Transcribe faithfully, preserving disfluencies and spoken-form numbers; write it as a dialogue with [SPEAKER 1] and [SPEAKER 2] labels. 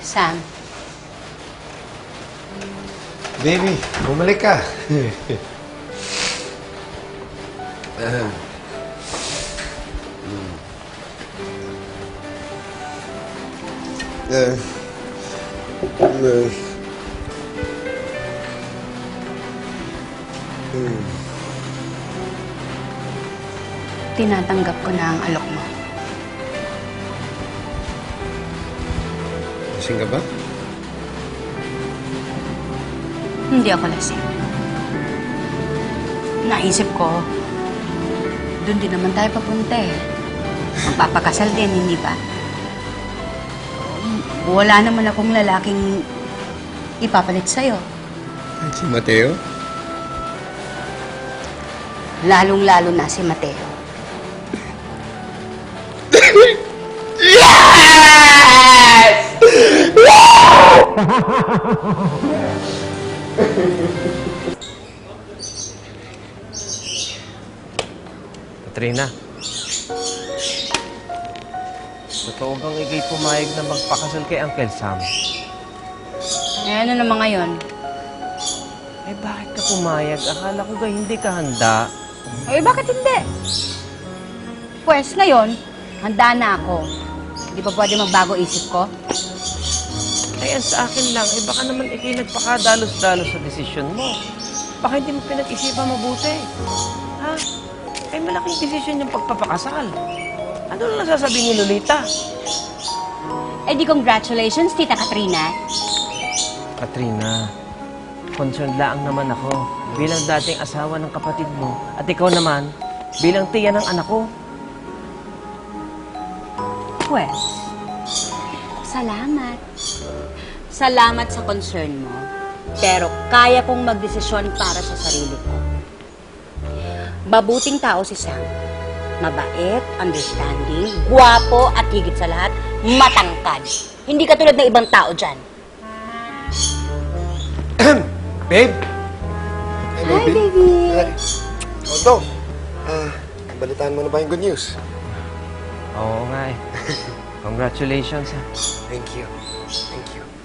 [SPEAKER 1] Sam.
[SPEAKER 2] Baby, bumalik ka. uh, uh, uh, uh.
[SPEAKER 1] Tinatanggap ko na ang alok mo.
[SPEAKER 2] Lasing ka ba?
[SPEAKER 1] Hindi ako lasing. Naisip ko, doon din naman tayo papunta eh. Magpapakasal din, hindi ba? Wala naman akong lalaking ipapalit sa'yo.
[SPEAKER 2] Si Mateo?
[SPEAKER 1] Lalong-lalo na si Mateo.
[SPEAKER 3] Katrina, totoo bang ikay pumayag na magpakasal kay Uncle Sam?
[SPEAKER 1] Eh, ano naman ngayon?
[SPEAKER 3] Eh, bakit ka pumayag? Akala ko ba hindi ka handa?
[SPEAKER 1] Eh, bakit hindi? Pwes, ngayon, handa na ako. Hindi pa pwede magbago isip ko?
[SPEAKER 3] Kaya sa akin lang, eh baka naman ikay nagpakadalos-dalos sa desisyon mo. Baka hindi mo pinag-isipan mabuti. Ha? Eh, malaking desisyon yung pagpapakasal. Ano na nasasabihin ni Lolita?
[SPEAKER 1] Eh, di congratulations, Tita Katrina.
[SPEAKER 3] Katrina, concerned lang naman ako bilang dating asawa ng kapatid mo at ikaw naman bilang tiya ng anak ko.
[SPEAKER 1] Pwes, salamat. Salamat sa concern mo. Pero kaya kong magdesisyon para sa sarili ko. Mabuting tao si Sam. Mabait, understanding, guwapo, at higit sa lahat, matangkad. Hindi katulad ng ibang tao dyan.
[SPEAKER 2] Babe? Hello,
[SPEAKER 1] Hi, baby.
[SPEAKER 2] Hi. Otto, ah, balitaan mo na ba yung good news?
[SPEAKER 3] Oo nga eh. Congratulations ha.
[SPEAKER 2] Thank you. Thank you.